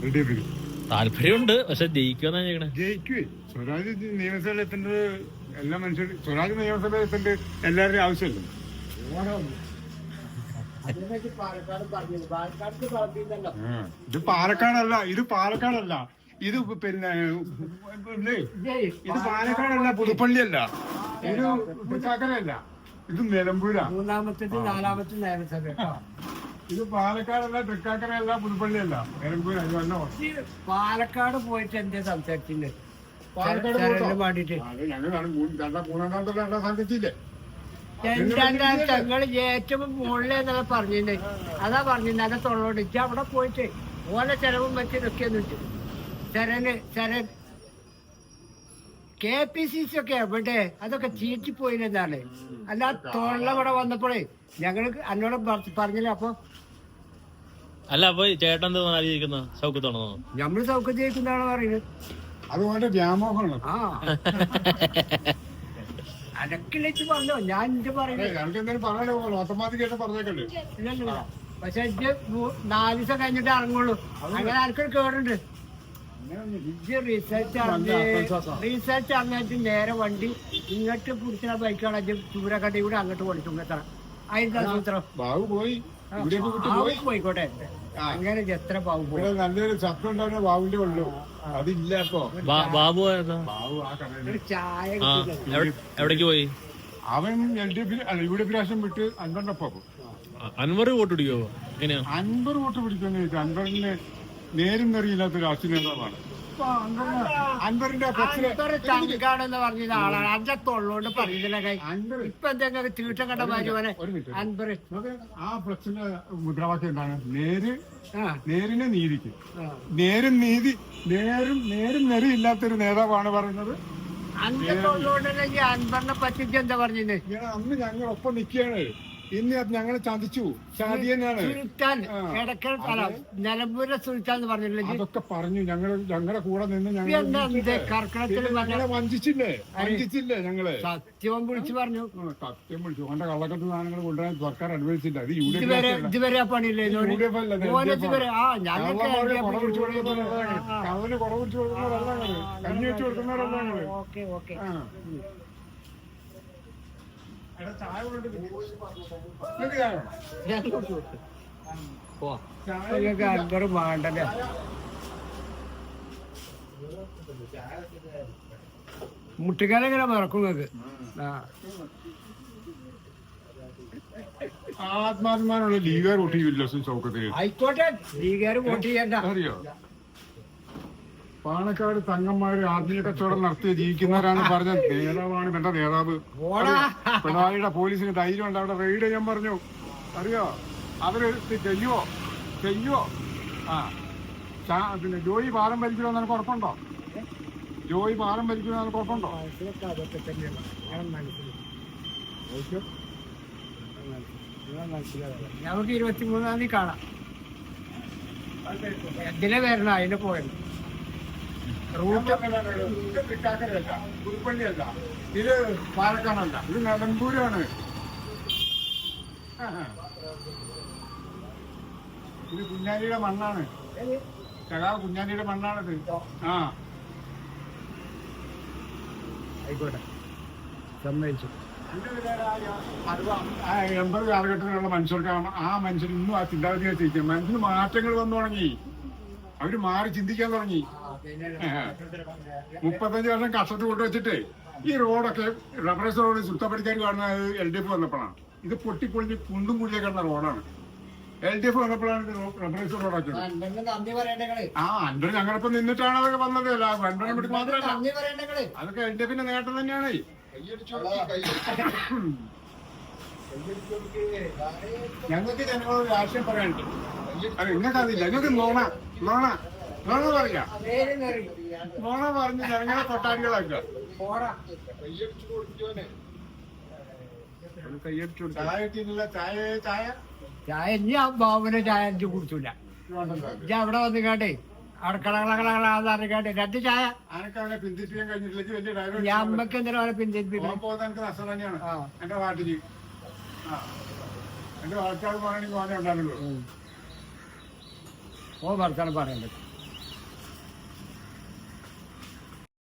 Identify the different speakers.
Speaker 1: താല്പര്യമുണ്ട്, പക്ഷെ ജയിക്കുമെന്നാ ചോദിക്കണേ.
Speaker 2: ജയിക്കുവേ. സ്വരാജ് നിയമസഭയിൽ എത്തേണ്ടത് എല്ലാ മനുഷ്യരും. സ്വരാജ് നിയമസഭയിൽ എത്തേണ്ടത് എല്ലാവരുടെയും ആവശ്യമല്ല. ഇത് പാലക്കാടല്ല, ഇത് പിന്നെ ഇത് പാലക്കാടല്ല, പുതുപ്പള്ളിയല്ല, ഇത് തൃക്കാക്കരയല്ല, ഇത് നിലമ്പൂരാ.
Speaker 3: നാലാമത്തെ നിയമസഭ.
Speaker 2: ഇത് പാലക്കാടല്ല, തൃക്കാക്കരയല്ല, പുതുപ്പള്ളിയല്ല, നിലമ്പൂരാ.
Speaker 3: പാലക്കാട് പോയിട്ട് എന്തേ സംസാരിച്ചില്ലേ?
Speaker 2: പാലക്കാട് ഞങ്ങളാണ് മൂന്നാം കാലത്തോടെ സംസാരിച്ചില്ലേ?
Speaker 3: ഞങ്ങള് ഏറ്റവും മുകളിലെന്നല്ല പറഞ്ഞില്ലേ? അതാ പറഞ്ഞില്ല, അതെ തൊള്ളോട് ഇച്ച അവിടെ പോയിട്ട് ഓലെ ചെലവും വെച്ച് നിൽക്കിയെന്ന് വെച്ചു. ചരൻ KPCC ഒക്കെ എവിടെ? അതൊക്കെ ചീറ്റിപ്പോയില്ലെന്നാണ്. അല്ല തൊള്ളവിടെ വന്നപ്പോഴേ ഞങ്ങള് എന്നോട് പറഞ്ഞില്ല. അപ്പൊ
Speaker 1: അല്ല, അപ്പൊ ചേട്ടൻ എന്താ സൗഖ്യത്താണോ?
Speaker 3: ഞമ്മള് സൗഖ്യം ജയിക്കുന്നതാണോ പറയുന്നത്?
Speaker 2: അതുകൊണ്ട് വ്യാമോഹമാണ്.
Speaker 3: ആ അതൊക്കെ പറഞ്ഞോ, ഞാൻ എന്റെ പറയുന്നത്. പക്ഷെ ഇത് 4 ദിവസം കഴിഞ്ഞിട്ട് ഇറങ്ങുള്ളൂ. അങ്ങനെ ആർക്കൊരു കേടുണ്ട്. റിസൾട്ട് അറിഞ്ഞിട്ട് നേരെ വണ്ടി ഇങ്ങോട്ട് പിടിച്ച ബൈക്കാണ് ചൂരക്കട്ടി കൂടെ അങ്ങോട്ട് കൊടുക്കും. എത്ര അതിന്റെ സൂത്രം പോയിക്കോട്ടെ. അങ്ങനെ എത്ര ബാബു പോയി.
Speaker 2: നല്ലൊരു ശബ്ദം ഉണ്ടാവുന്ന ബാബുവിന്റെ ഉള്ളൂ. അതില്ല. ഇപ്പൊ
Speaker 1: ബാബു
Speaker 3: ചായ
Speaker 1: എവിടേക്ക് പോയി?
Speaker 2: അവൻ LDF പ്രാവശ്യം വിട്ട് അൻവറിനൊപ്പം.
Speaker 1: അൻവർ വോട്ട് പിടിക്കോ? എങ്ങനെയാ
Speaker 2: അൻവർ വോട്ട് പിടിക്കുമെന്ന് ചോദിച്ചാൽ അൻവറിന് നേരും നെറിയില്ലാത്ത രാഷ്ട്രീയ നേതാവാണ്. അൻവറിന്റെ
Speaker 3: തങ്കാണെന്ന് പറഞ്ഞ ആളാണ്. അഞ്ചത്തോളോണ്ട് പറയുന്നില്ല. ഇപ്പൊ എന്തെങ്കിലും തീട്ടം കണ്ട മാറ്റുവാനെ അൻവർ.
Speaker 2: ആ ഫ്ലക്സിന്റെ മുദ്രാവാക്യം എന്താണ്? നേരിനെ നീതിക്ക്. നേരും നെറിയില്ലാത്തൊരു നേതാവാണ് പറയുന്നത്.
Speaker 3: അഞ്ചത്തോളോണ്ടല്ലെങ്കിൽ അൻവറിനെ പറ്റിച്ച് എന്താ പറഞ്ഞത്?
Speaker 2: അന്ന് ഞങ്ങൾ ഒപ്പം നിൽക്കുകയാണ്. ഇന്ന് ഞങ്ങളെ ചതിച്ചു.
Speaker 3: നിലമ്പൂരിലെ സുൽത്താൻ എന്ന് പറഞ്ഞില്ലേ?
Speaker 2: അതൊക്കെ പറഞ്ഞു. ഞങ്ങളുടെ കൂടെ നിന്ന് ഞങ്ങളെ വഞ്ചിച്ചില്ലേ ഞങ്ങള്?
Speaker 3: സത്യം വിളിച്ചു പറഞ്ഞു.
Speaker 2: സത്യം വിളിച്ചു. അവന്റെ കള്ളക്കത്ത് സാധനങ്ങൾ കൊണ്ടുവരാൻ സർക്കാർ അനുവദിച്ചില്ല. അത്
Speaker 3: ഇതുവരെ പണിയില്ലേ?
Speaker 2: കള്ളന് കുട പിടിച്ചു കൊടുക്കുന്നവരല്ല, കഞ്ഞി വെച്ച് കൊടുക്കുന്നവരല്ല.
Speaker 3: അൻവർ വേണ്ടല്ലേ? മുട്ടിക്കാലെങ്ങനെ മറക്കും നിങ്ങൾക്ക്?
Speaker 2: ആത്മാഭിമാനമുള്ള ലീഗുകാർ വോട്ട് ചെയ്യില്ല ചൗക്കത്തിന്.
Speaker 3: ആയിക്കോട്ടെ, ലീഗുകാർ വോട്ട് ചെയ്യണ്ട.
Speaker 2: അറിയോ, പാണക്കാട് തങ്ങന്മാര് ആത്മീയ കച്ചവടം നടത്തി ജീവിക്കുന്നവരാണ് പറഞ്ഞ നേതാവാണ് എന്റെ നേതാവ്. പിണറായിയുടെ പോലീസിന് ധൈര്യം ഉണ്ട് അവിടെ റെയ്ഡ് ചെയ്യാൻ പറഞ്ഞു. അറിയോ, അവര് ചെയ്യുവോ? പിന്നെ ജോയി പാലം ഭരിക്കണമെന്ന് എനിക്ക് ഉറപ്പുണ്ടോ?
Speaker 3: നമുക്ക് 23-ാം തീയതി കാണാം. എന്തിനെ വരണം? അതിന് പോയത്
Speaker 2: പുതുപ്പള്ളിയല്ല, ഇത് പാലക്കാടല്ല, ഇത് നിലമ്പൂരാണ്. ഇത് കുഞ്ഞാലിയുടെ മണ്ണാണ്. കുഞ്ഞാലിയുടെ മണ്ണാണിത്.
Speaker 3: ആയിക്കോട്ടെ, സമ്മതിച്ചു.
Speaker 2: 80 കാലഘട്ടത്തിലുള്ള മനുഷ്യർക്കാണ്. ആ മനുഷ്യർ ഇന്നും ആ ചിന്താഗതിയെ ചെയ്യിക്കും. മനുഷ്യന് മാറ്റങ്ങൾ വന്നു തുടങ്ങി. അവര് മാറി ചിന്തിക്കാൻ തുടങ്ങി. 35 വർഷം കഷ്ടത്ത് കൊണ്ടുവച്ചിട്ട് ഈ റോഡൊക്കെ റബ്ബറൈസ് റോഡ് സുത്തപ്പടിക്കാർ കാണുന്നത് LDF വന്നപ്പോഴാണ്. ഇത് പൊട്ടിപ്പൊളിഞ്ഞ് കുണ്ടും കുഴിയെ കിടന്ന റോഡാണ്. LDF വന്നപ്പോഴാണ് റബ്ബറൈസ് റോഡൊക്കെ. അൻവർ ഞങ്ങളിപ്പോ നിന്നിട്ടാണ് അതൊക്കെ വന്നത്. അൻവറിനെ മാത്രമല്ല, അതൊക്കെ LDFന്റെ നേട്ടം തന്നെയാണ്. ഞങ്ങൾക്ക് ജനങ്ങളോട് രാഷ്ട്രീയം പറയാനുണ്ട്. അത് നിങ്ങൾക്കതില്ല. നിങ്ങൾക്ക് നോണ പറയാം. നോണ പറഞ്ഞ് ജനങ്ങളെ തൊട്ടാടികളാക്കുക.
Speaker 3: ചായ ഇനി ആ ബാബുവിനെ ചായ എനിക്ക് കുടിച്ചില്ല. ഞാൻ അവിടെ വന്ന് കേട്ടെ അടക്കളകളാകാട്ടെ 2 ചായ
Speaker 2: പിന്തിരിപ്പിക്കാൻ കഴിഞ്ഞിട്ടില്ല.
Speaker 3: ഞാൻ അമ്മക്ക് എന്തിനാ പിന്തിരിപ്പിക്കാൻ?
Speaker 2: എനിക്ക് നഷ്ടം തന്നെയാണ്. എന്റെ നാട്ടില് എന്റെ ആൾക്കാർ പറയണെങ്കിൽ മോനെ ഉണ്ടാകുള്ളൂ.
Speaker 3: ഓ വർത്താനം പറയണ്ടത്.